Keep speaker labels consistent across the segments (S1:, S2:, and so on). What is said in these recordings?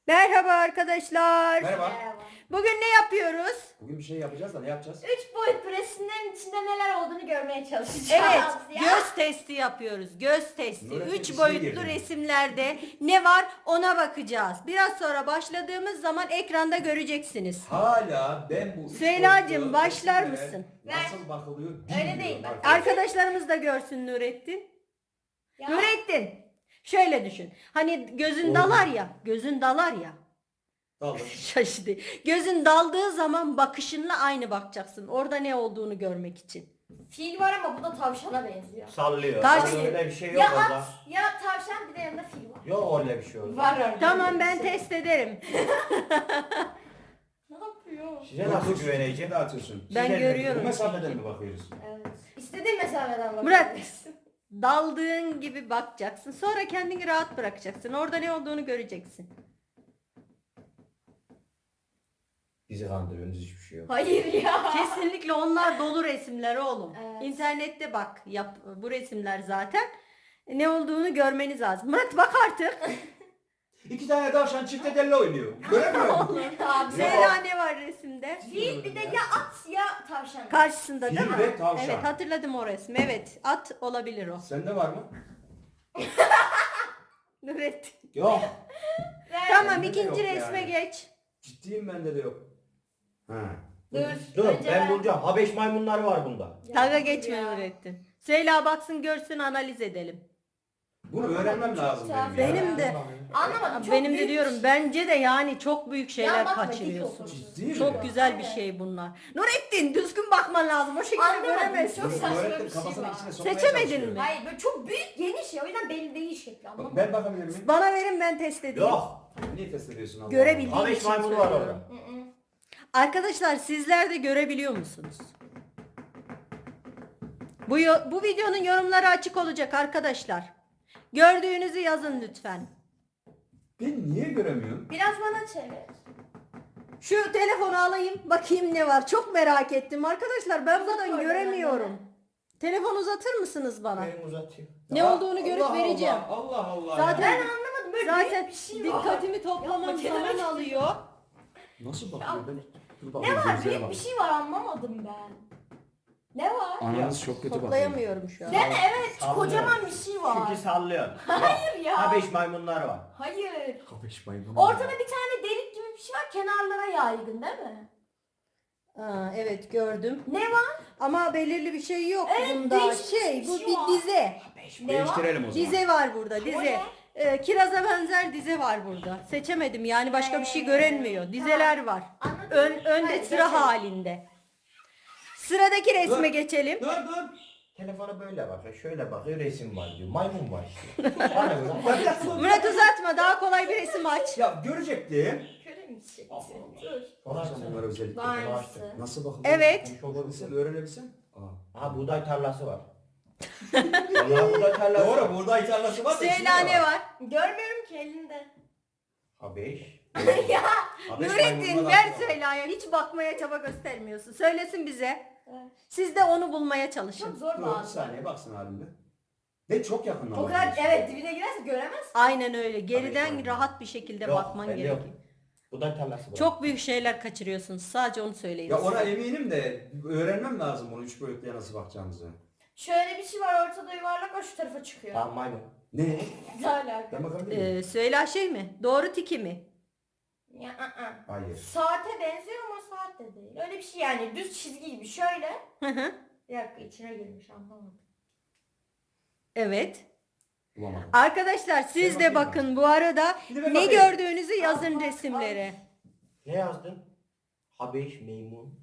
S1: Merhaba arkadaşlar.
S2: Merhaba.
S3: Merhaba.
S1: Bugün ne yapıyoruz?
S2: Bugün bir şey yapacağız da ne yapacağız?
S3: 3 boyutlu resimlerin içinde neler olduğunu görmeye çalışacağız.
S1: Evet,
S3: Ya.
S1: göz testi yapıyoruz. Göz testi.
S2: Nurettin
S1: 3
S2: içine
S1: boyutlu
S2: girdi.
S1: resimlerde ne var ona bakacağız. Biraz sonra başladığımız zaman ekranda göreceksiniz.
S2: Hala ben bu üç
S1: Süheyla'cığım,
S2: boyutlu
S1: başlar
S2: resimlere
S1: mısın?
S2: Nasıl bakılıyor
S3: Öyle
S2: bilmiyorum
S3: değil, bak.
S2: arkadaşlar.
S1: Arkadaşlarımız da görsün Nurettin.
S3: Ya.
S1: Nurettin, şöyle düşün. Hani gözün
S2: Oldu.
S1: dalar ya, gözün dalar ya.
S2: Dalın.
S1: Şaşırdı. Gözün daldığı zaman bakışınla aynı bakacaksın. Orada ne olduğunu görmek için.
S3: Fil var ama bu da tavşana benziyor.
S4: Sallıyor.
S1: Kaç-
S4: Öyle bir şey yok
S3: Ya
S4: orada.
S3: at ya tavşan bir de yanında fil var.
S4: Yok öyle bir şey orada.
S3: Var orada.
S1: Tamam, ben test ederim.
S3: Ne yapıyor?
S4: Size nasıl
S2: Size
S4: güveneceğim?
S2: dağıtıyorsun.
S1: Ben
S4: Size-
S1: görüyorum.
S2: Bu mesafeden mi bakıyoruz?
S3: Evet. İstediğin mesafeden bak.
S1: Murat, daldığın gibi bakacaksın. Sonra kendini rahat bırakacaksın. Orada ne olduğunu göreceksin.
S4: Bizi kandırıyorsunuz, hiçbir şey yok.
S3: Hayır ya.
S1: Kesinlikle onlar dolu resimler oğlum.
S3: Evet.
S1: İnternette bak, yap bu resimler zaten. Ne olduğunu görmeniz lazım. Murat bak artık.
S2: İki tane tavşan çifte telli oynuyor. Göremiyor musun?
S3: Abi.
S1: Zehra ne var resimde?
S3: Fil bir de ya at ya tavşan.
S1: Karşısında değil
S2: Fil
S1: mi?
S2: ve tavşan.
S1: Evet, hatırladım o resmi. Evet, at olabilir o.
S2: Sende var mı?
S1: Nurettin.
S2: Yok.
S1: Tamam,
S2: Bende de
S1: ikinci
S2: yok
S1: resme
S2: yani.
S1: geç.
S2: Ciddiyim bende de yok. Ha.
S3: Dur.
S4: Dur
S3: önce
S4: ben bulacağım. Habeş maymunları var bunda.
S3: Ya,
S1: Dalga
S3: dur
S1: geçme
S3: ya.
S1: Nurettin. Süheyla baksın, görsün, analiz edelim.
S2: Bunu öğrenmem lazım benim. ya.
S1: Benim de.
S3: Anlamadım. Çok
S1: Benim de
S3: büyük
S1: diyorum,
S3: bir şey.
S1: bence de yani çok büyük şeyler
S3: Ya bakma,
S1: kaçırıyorsun.
S3: dik
S2: Ciddi mi?
S1: Çok güzel bir
S3: Evet.
S1: şey bunlar. Nurettin, düzgün bakman lazım. O şekilde
S3: Anlamadım,
S1: göremezsin.
S3: çok
S2: Bunu
S3: saçma
S2: öğrettim,
S3: bir şey
S2: kafasının
S3: var.
S2: içine sokmaya
S1: Seçemedin
S2: çalışıyorum.
S1: mi?
S3: Hayır böyle çok büyük geniş ya o yüzden belli değil şekli
S2: Bak,
S3: anlamadım.
S2: ben bakabilir miyim?
S1: Bana verin, ben test edeyim.
S4: Yok.
S2: Niye test ediyorsun Allah
S1: Görebildiğim
S2: Allah?
S4: Habeş
S1: için
S4: maymunu var
S1: söylüyorum.
S4: orada.
S3: Hı hı.
S1: Arkadaşlar, sizler de görebiliyor musunuz? Bu videonun yorumları açık olacak arkadaşlar. Gördüğünüzü yazın lütfen.
S2: Ben niye göremiyorum?
S3: Biraz bana çevir.
S1: Şu telefonu alayım, bakayım ne var. Çok merak ettim arkadaşlar. Ben
S3: Uzat
S1: buradan
S3: oradan
S1: göremiyorum.
S3: annene.
S1: Telefon uzatır mısınız bana?
S4: Benim uzatayım.
S1: Ne
S2: Ya,
S1: olduğunu görüp
S2: Allah
S1: vereceğim.
S2: Allah Allah.
S1: Zaten-
S3: Ben anlamadım böyle
S1: Zaten
S3: büyük bir şey var.
S1: dikkatimi toplamam
S3: Yapma,
S1: zaman
S3: kenara
S1: alıyor.
S2: Nasıl bakıyor? Ben dur
S3: Ne
S2: bakayım,
S3: var
S2: gözlere
S3: büyük
S2: bak.
S3: bir şey var anlamadım ben. Ne var?
S2: Ananız çok kötü bakıyor.
S1: Toplayamıyorum şu an.
S3: Değil mi? Evet
S4: Sallıyor.
S3: kocaman bir şey var.
S4: Çünkü sallıyor.
S3: Hayır ya.
S4: Habeş maymunları var.
S3: Hayır.
S2: Kapış maymunu.
S3: Ortada bir tane delik gibi bir şey var kenarlara yaygın değil mi?
S1: Aa, evet, gördüm.
S3: Ne var?
S1: Ama belirli bir şey yok
S3: Evet,
S1: bunda.
S3: değişik bir
S1: Bu
S3: şey
S1: bir
S3: var.
S1: dize.
S3: Ne var?
S2: Değiştirelim o zaman.
S1: Dize var burada, dize.
S3: ne?
S1: Kiraza benzer dize var burada. Seçemedim yani, başka bir şey görünmüyor. Dizeler var.
S3: Anladım.
S1: Önde
S3: Hadi
S1: sıra
S3: geçelim.
S1: halinde. Sıradaki resme
S2: Dur.
S1: geçelim.
S2: Dur dur.
S4: Telefona böyle bakıyor, şöyle bakıyor, resim var diyor. Maymun var işte. Bana göre.
S2: Ya bir dakika.
S1: Murat, uzatma, daha kolay bir resim aç.
S2: Ya görecektim.
S3: Göremeyeceksin.
S2: Allah
S3: Dur.
S4: Onu
S2: Bakacağım
S4: açsana.
S2: bunlara özellikle.
S3: Var
S4: Bunu
S3: mısın?
S2: Nasıl bakılıyor?
S1: Evet.
S2: Olabilsem, öğrenebilsem. Aa.
S4: Aha buğday tarlası var. Vallahi buğday tarlası var.
S2: Doğru, buğday tarlası var da içinde
S1: Süheyla ne var?
S3: Görmüyorum ki elinde.
S4: Habeş.
S3: Ya.
S2: Habeş
S1: Nurettin,
S2: maymununa
S1: ver
S2: bak.
S1: Süheyla'ya. Hiç bakmaya çaba göstermiyorsun. Söylesin bize.
S3: Evet.
S1: Siz de onu bulmaya çalışın.
S3: Çok zor
S2: Dur bir
S3: bazı.
S2: saniye baksın halimde. Ne çok yakından
S3: O kadar
S2: bakıyorsun.
S3: evet dibine girerse göremez.
S1: Aynen öyle. Geriden
S2: Tabii.
S1: rahat bir şekilde
S4: Yok,
S1: bakman
S4: bende
S1: gerekiyor.
S4: yok. Buğday tarlası var.
S1: Çok büyük şeyler kaçırıyorsunuz. Sadece onu söyleyin.
S2: Ya ona eminim de öğrenmem lazım bunu üç boyutluya nasıl bakacağımızı.
S3: Şöyle bir şey var ortada yuvarlak o şu tarafa çıkıyor.
S4: Tamam maymun.
S2: Ne?
S3: Ne alaka?
S2: Ben bakabilir miyim?
S1: Süheyla şey mi? Doğru tiki mi?
S3: Ya,
S2: Hayır.
S3: Saate benziyor ama saat de değil. Öyle bir şey yani düz çizgi gibi şöyle.
S1: Hı hı.
S3: Bir dakika içine girmiş anlamadım.
S1: Evet.
S2: Bulamadım.
S1: Arkadaşlar siz
S2: Ben
S1: de
S2: bakayım
S1: bakın bu arada
S2: Bir de ben
S1: ne
S2: bakayım.
S1: gördüğünüzü yazın
S3: Al, al,
S1: resimlere.
S4: Ne yazdın? Habeş maymun.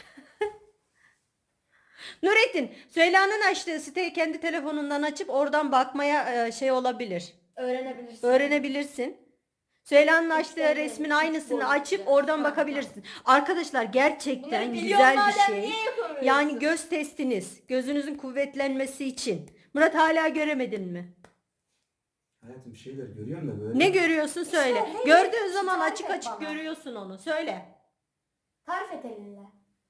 S1: Nurettin, Süheyla'nın açtığı siteyi kendi telefonundan açıp oradan bakmaya şey olabilir.
S3: Öğrenebilirsin.
S1: Öğrenebilirsin. Süheyla'nın açtığı
S3: İşte,
S1: resmin
S3: evet,
S1: aynısını
S3: doğru.
S1: açıp oradan
S3: Tamam,
S1: bakabilirsin. Arkadaşlar gerçekten
S3: Bunları biliyorsun
S1: güzel bir
S3: madem
S1: şey.
S3: niye yapamıyorsun?
S1: Yani göz testiniz, gözünüzün kuvvetlenmesi için. Murat, hala göremedin mi?
S2: Hayatım bir şeyler görüyorum da böyle.
S1: Ne görüyorsun söyle.
S3: Söyle,
S1: Gördüğün zaman
S3: tarif
S1: açık
S3: et
S1: açık
S3: bana.
S1: görüyorsun onu. Söyle.
S3: Tarif et elinle.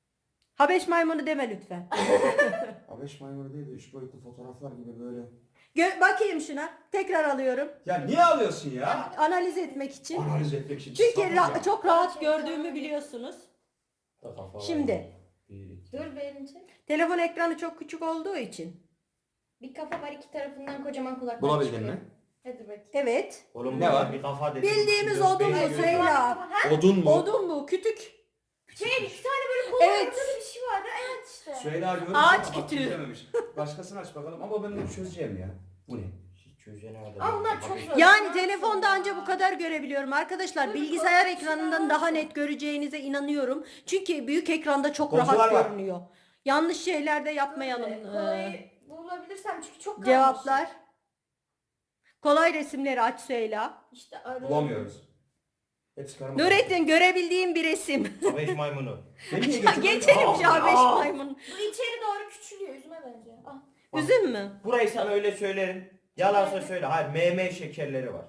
S1: Habeş maymunu deme lütfen.
S2: Habeş maymunu değil de üç boyutlu fotoğraflar gibi böyle.
S1: Bakayım şuna. Tekrar alıyorum.
S2: Ya niye alıyorsun ya?
S1: Analiz etmek için.
S2: Analiz etmek için.
S1: Çünkü
S2: Sabır ya.
S1: çok rahat
S3: Gerçekten
S1: gördüğümü
S3: öyle.
S1: biliyorsunuz.
S4: Kafa
S1: Şimdi.
S4: var. Bir, iki.
S3: Dur benim için.
S1: Telefon ekranı çok küçük olduğu için.
S3: Bir kafa var, iki tarafından kocaman kulaklar
S2: Bulabildin
S3: çıkıyor.
S2: mi?
S3: Hadi bakayım.
S1: Evet.
S4: Oğlum
S2: Ne
S4: ne
S2: var?
S4: var? Bir kafa dedi.
S1: Bildiğimiz
S4: İki, dört,
S1: odun
S4: beş
S1: bu,
S4: göz
S1: söyle.
S4: var.
S1: Ya.
S3: Ha?
S2: Odun mu?
S1: Odun bu. Kütük.
S3: Bir tane böyle kol
S1: Evet.
S3: ortada bir şey vardı. Evet işte.
S2: Süheyla görmüş
S1: Ağaç
S2: ama bak
S1: kütüğü.
S2: çözememiş. Başkasını aç bakalım ama ben bunu çözeceğim ya. Bu ne?
S4: Hiç çözene kadar.
S3: Ama bunlar çok zor.
S1: Yani telefonda anca bu kadar görebiliyorum arkadaşlar.
S3: Böyle
S1: Bilgisayar
S3: korkunç
S1: ekranından
S3: şeyler
S1: daha
S3: varsa.
S1: net göreceğinize inanıyorum. Çünkü büyük ekranda çok
S2: Koltular
S1: rahat
S2: var.
S1: görünüyor. Yanlış şeyler de yapmayalım.
S3: Kolayı bulabilirsem çünkü çok kalmış.
S1: Cevaplar. Kolay resimleri aç Süheyla.
S3: İşte arıyorum.
S2: Bulamıyoruz. Hepsi karma.
S1: Nurettin görebildiğim bir resim.
S4: Beş maymunu.
S2: Beni niye
S1: Ya
S2: getirdin?
S1: geçelim şu an 5
S4: Aa.
S1: maymun.
S3: Bu içeri doğru küçülüyor yüzüme bence. Ah.
S1: Üzüm mü?
S4: Burayı sana öyle söylerim. Yalansa söyle. Hayır, MM şekerleri var.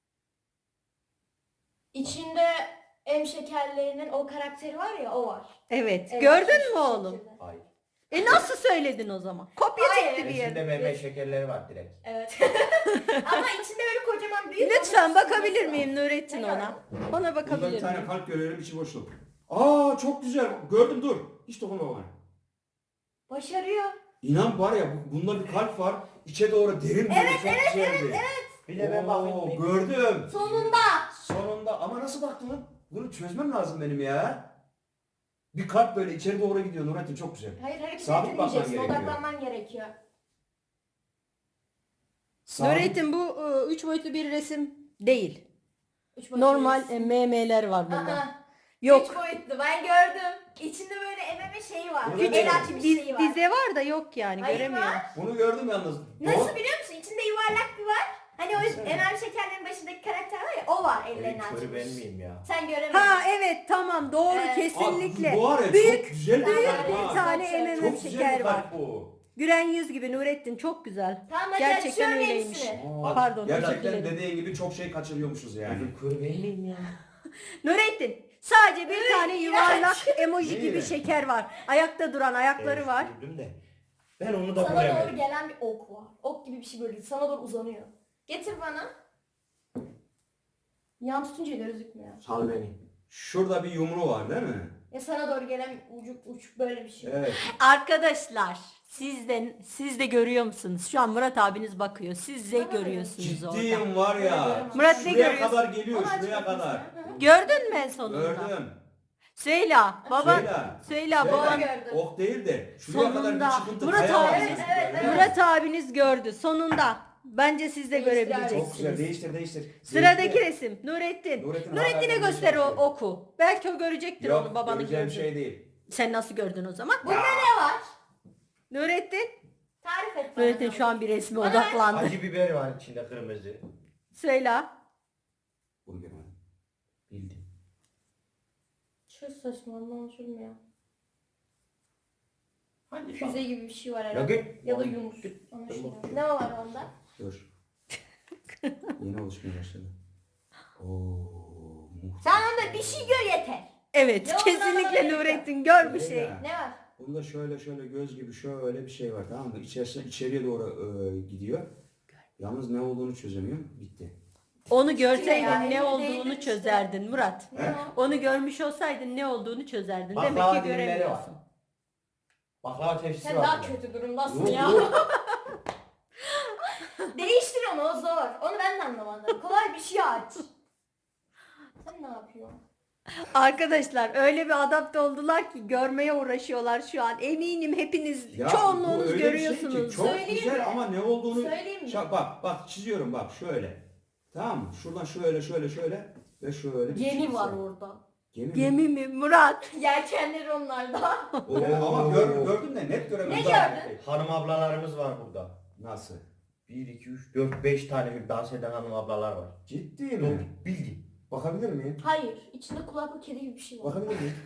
S3: İçinde M şekerlerinin o karakteri var ya, o var.
S1: Evet.
S3: Evet,
S1: Gördün
S3: şu
S1: mü oğlum?
S3: şekilde.
S4: Hayır.
S1: Nasıl söyledin o zaman? Kopya
S3: Hayır.
S1: çekti bir
S4: İçinde
S1: yere.
S4: MM şekerleri var direkt.
S3: Evet. Ama içinde böyle kocaman büyük.
S1: Lütfen
S3: onun
S1: bakabilir
S3: simgesi
S1: miyim Nurettin
S3: Ne
S1: ona? Ona
S2: Burada bir
S1: bakabilir
S2: tane
S1: miyim?
S2: kalp görüyorum içi boşluk. Aa çok güzel. Gördüm dur. Hiç dokunma bana.
S3: var. Başarıyor.
S2: İnan var ya bunda bir kalp var. İçe doğru derin bir çok güzeldi.
S4: Bir de ben
S2: Oo,
S4: bakayım.
S2: gördüm.
S3: Sonunda.
S2: Sonunda ama nasıl baktın lan? Bunu çözmem lazım benim ya. Bir kalp böyle içeri doğru gidiyor Nurettin çok güzel.
S3: Hayır, hareket
S2: Sabit bakman
S3: etmeyeceksin.
S2: gerekiyor.
S3: Odaklanman gerekiyor.
S2: Sabit-
S1: Nurettin bu 3 boyutlu bir resim değil.
S3: Üç boyutlu
S1: Normal
S3: resim.
S1: MM'ler var bunda.
S3: Aa,
S1: Yok.
S3: 3 boyutlu, ben gördüm. İçinde böyle MM şeyi var.
S2: Burada ne
S3: El
S2: var?
S3: açmış
S1: Diz,
S3: şeyi var.
S1: dize var da yok yani
S3: Hayır,
S1: göremiyorum.
S3: var.
S2: Bunu gördüm yalnız.
S3: Nasıl biliyor musun? İçinde yuvarlak bir var. Hani o
S2: Nasıl?
S3: MM şekerlerin başındaki karakter var ya, o var ellerini
S4: Evet,
S3: açmış.
S4: körü ben miyim ya?
S3: Sen göremedin.
S1: Ha evet tamam doğru
S3: Evet.
S1: kesinlikle.
S2: Aa, bu var ya
S1: Büyük
S2: çok güzel bir
S3: büyük
S2: kalp
S3: bir
S2: ha.
S1: tane
S3: Çok
S1: MM
S2: Çok güzel
S1: şeker
S2: bir
S1: var.
S2: kalp bu.
S1: Gülen yüz gibi Nurettin çok güzel.
S3: Tamam, hadi
S1: Gerçekten
S3: açıyorum
S1: öyleymiş.
S3: hepsini.
S2: Aa,
S1: Pardon,
S2: Gerçekten
S1: özür dilerim.
S2: dediğin gibi çok şey kaçırıyormuşuz yani.
S4: Gözüm körü ben miyim ya?
S1: Nurettin sadece bir tane yuvarlak emoji
S2: İyi.
S1: gibi şeker var. Ayakta duran ayakları
S4: Evet,
S1: var.
S4: gördüm de. Ben onu da
S3: Sana doğru
S4: göremedim.
S3: gelen bir ok var. Ok gibi bir şey böyle sana doğru uzanıyor. Getir bana. Yan tutunca gözükmüyor.
S4: Sal beni.
S2: Şurada bir yumru var değil mi?
S3: Ya sana doğru gelen uç böyle bir şey.
S2: Evet.
S1: Arkadaşlar siz de görüyor musunuz? Şu an Murat abiniz bakıyor. Siz de
S3: Bana da
S1: görüyorsunuz orada.
S2: Ciddiyim var ya.
S1: Murat, ne
S2: şuraya
S1: görüyorsun?
S2: kadar geliyor
S3: Onu aç
S2: şuraya
S3: bakayım
S2: kadar.
S3: sen. Hı hı.
S1: Gördün mü en sonunda?
S2: Gördüm.
S1: Söyle baba.
S2: Söyle.
S1: Söyle bu
S3: Söyle.
S1: an
S3: Gördüm.
S2: Ok değil de şuraya kadar
S1: sonunda
S2: bir çıkıntı
S1: Murat
S2: kaya var.
S1: abi
S3: Evet, evet, evet.
S1: Murat abiniz gördü sonunda. Bence siz de
S3: Değiştir abi.
S2: Çok güzel
S1: görebileceksiniz.
S2: değiştir.
S1: Sıradaki
S2: Değiştir.
S1: resim Nurettin.
S2: Nurettin
S1: Nurettin'e
S2: hala
S1: göster o
S2: görmüyor.
S1: oku. Belki o görecektir
S2: Yok,
S1: onu babanı
S2: göreceğim
S1: gördü.
S2: şey değil.
S1: Sen nasıl gördün o zaman?
S3: Bunda ne var?
S1: Nurettin.
S3: Tarif et bana.
S1: Nurettin şu an bir resme
S3: Bana
S1: odaklandı.
S4: Acı biber var içinde kırmızı.
S1: Söyle.
S2: Bunu görmedim.
S4: Bildim.
S3: Çok saçma, anlaşılmıyor.
S4: Hadi
S3: Füze gibi bir şey var
S4: Ya
S3: herhalde.
S4: git.
S3: Ya da yumruk. Anlaşılmıyor. Ne var onda?
S2: Dur. Yeni oluşmaya başladı. Oo, muhteşem.
S3: Sen onda bir şey gör yeter.
S1: Evet
S3: Ne olduğunu
S1: kesinlikle
S3: anlamadım.
S1: Nurettin gör bir şey.
S2: Söyle.
S3: Ne var?
S2: Bunda şöyle göz gibi şöyle bir şey var tamam mı? İçeriye doğru gidiyor. Yalnız ne olduğunu çözemiyorum. Bitti.
S1: Onu görseydin
S3: Ya,
S1: ne
S3: elinde
S1: olduğunu
S3: değildir işte.
S1: çözerdin Murat.
S3: Ne o?
S1: Onu görmüş olsaydın ne olduğunu çözerdin.
S4: Baklava
S1: Demek ki
S4: dilimleri var.
S1: göremiyorsun.
S4: Baklava tepsisi
S3: Sen
S4: var.
S3: daha
S4: burada.
S3: kötü durumdasın
S2: Yok,
S3: ya.
S2: yok.
S3: Değiştir onu, o zor. Onu ben de anlamadım. Kolay bir şey aç. Sen ne yapıyorsun?
S1: Arkadaşlar öyle bir adapte oldular ki görmeye uğraşıyorlar şu an. Eminim hepiniz
S2: Ya, bu
S1: çoğunluğunuz
S2: öyle bir şey ki
S1: görüyorsunuz.
S2: çok
S3: Söyleyeyim
S2: güzel
S3: mi?
S2: ama ne olduğunu...
S3: Söyleyeyim mi?
S2: Bak çiziyorum bak şöyle. Tamam mı? Şuradan şöyle ve şöyle. bir
S3: Gemi
S2: çizgi
S3: var orada.
S2: Gemi mi?
S1: Gemi mi Murat?
S3: Yelkenleri onlarda.
S2: Ama gördüm de net göremedim.
S3: Ne gördün?
S4: Hanım ablalarımız var burada.
S2: Nasıl?
S4: 1, 2, 3, 4, 5 tane dans eden hanım ablalar var.
S2: Ciddi
S4: Yok,
S2: mi?
S4: bildim.
S2: Bakabilir miyim?
S3: Hayır. İçinde kulaklı kedi gibi bir şey var.
S2: Bakabilir miyim?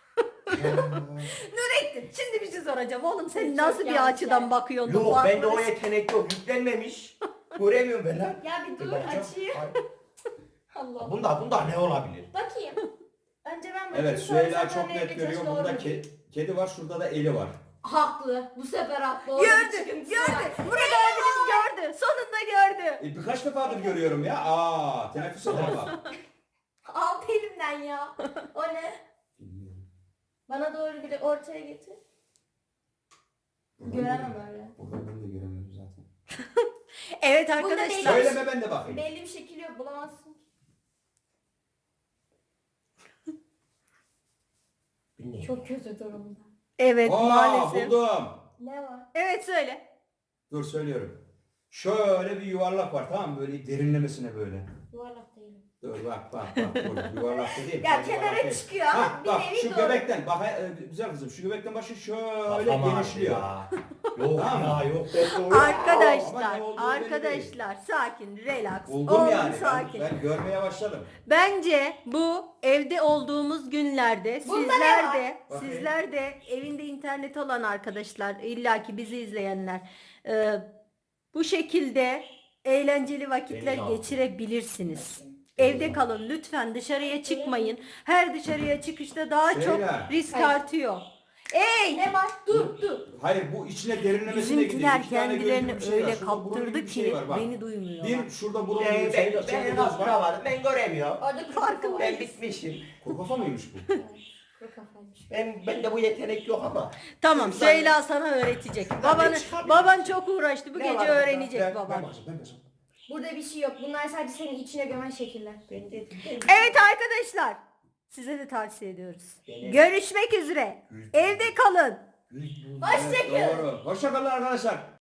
S1: Nurettin şimdi bir şey soracağım. Oğlum sen
S3: Çok
S1: nasıl bir
S3: yanlış
S1: açıdan
S3: yani.
S1: bakıyorsun?
S4: Yok,
S1: Bu
S4: bende o
S1: arkadaş-
S4: yetenek yok. Yüklenmemiş. Göremiyorum ben lan.
S3: Ya bir dur
S4: Bakacağım.
S3: açayım.
S4: Ay,
S3: Allah.
S4: Bunda ne olabilir?
S3: Bakayım. Önce ben bakayım.
S2: Evet
S3: sonra
S2: Süheyla
S3: sen
S2: çok
S3: bana
S2: net
S3: evde
S2: görüyor.
S3: çalışma
S2: Bunda
S3: olur mu?
S2: kedi var şurada da eli var.
S3: Haklı. Bu sefer haklı. Orada bir
S1: Gördü,
S3: sıkıntısı
S1: gördü.
S3: var.
S1: Murat abiniz gördü. Sonunda gördü.
S2: Birkaç defadır görüyorum ya. Teneffüs eder bak.
S3: Aldı elimden ya. O ne?
S2: Bilmiyorum.
S3: Bana doğru bir de ortaya getir. Göremem öyle.
S2: Buradan ben de göremiyorum zaten.
S1: Evet
S3: Bunda
S1: arkadaşlar.
S3: değil.
S2: Söyleme ben de bakayım.
S3: Belli bir şekil yok. Bulamazsın.
S4: Bilmiyorum.
S3: Çok kötü durumda.
S1: Evet maalesef.
S2: Buldum.
S3: Ne var?
S1: Evet söyle.
S2: Dur söylüyorum. Şöyle bir yuvarlak var tamam mı? Böyle derinlemesine böyle.
S3: Yuvarlak değil.
S2: Dur bak dur. Yuvarlak da değil.
S3: Ya
S2: Yuvarlak
S3: kenara
S2: değil.
S3: çıkıyor ama
S2: Ha,
S3: bir
S2: bak
S3: nevi
S2: şu
S3: doğru.
S2: göbekten bak güzel kızım şu göbekten başı şöyle
S4: Kafam ağrıdı
S2: genişliyor.
S4: ya. Yok
S2: Tamam.
S4: ya yok. Ben doğru.
S2: Ama
S1: Arkadaşlar,
S2: ne olduğu belli
S1: arkadaşlar sakin, relax,
S2: Buldum
S1: olun
S2: yani.
S1: sakin.
S2: Ben görmeye başladım.
S1: Bence bu evde olduğumuz günlerde
S3: Bunda ne
S1: sizler
S3: var?
S1: de
S2: Bakayım.
S1: sizler de evinde internet olan arkadaşlar illaki bizi izleyenler bu şekilde eğlenceli vakitler
S4: Benim
S1: geçirebilirsiniz. Evde kalın lütfen dışarıya çıkmayın. Her dışarıya çıkışta daha çok
S2: Şeyler.
S1: risk
S3: Hayır.
S1: artıyor. Ey!
S3: Ne var? Dur.
S2: Hayır bu içine derinlemesine gidiyor.
S1: Bizimkiler
S2: İki tane gözlü
S1: kendilerini
S2: bir şey var.
S1: öyle
S2: Şurada burun gibi
S1: kaptırdı
S2: bir şey
S1: ki
S2: var, bak.
S1: beni duymuyorlar.
S2: Bir şurada burun
S4: Ben,
S2: gibi bir şey. içeride
S4: ben
S2: göz var.
S4: kaptıramadım. Ben göremiyorum.
S3: Orada kuru
S1: Farkındayım.
S3: kafa
S4: Ben
S3: var.
S4: bitmişim.
S2: Kuru kafa mıymış bu?
S3: Kuru kafaymış.
S4: Ben de bu yetenek yok ama.
S1: Tamam
S4: Ben-
S1: Süheyla sana öğretecek.
S4: çıkardım.
S1: Baban çok uğraştı. Bu
S4: Ne
S1: gece
S4: var burada?
S1: öğrenecek
S4: Ben-
S1: baban.
S2: Ben basarım.
S3: Burada bir şey yok. Bunlar sadece senin içine gömen şekiller.
S4: Ben dedim.
S1: Evet arkadaşlar. Size de tavsiye ediyoruz.
S4: Gene-
S1: Görüşmek üzere. Evde kalın.
S3: Hoşçakalın.
S2: Doğru. Hoşçakalın arkadaşlar.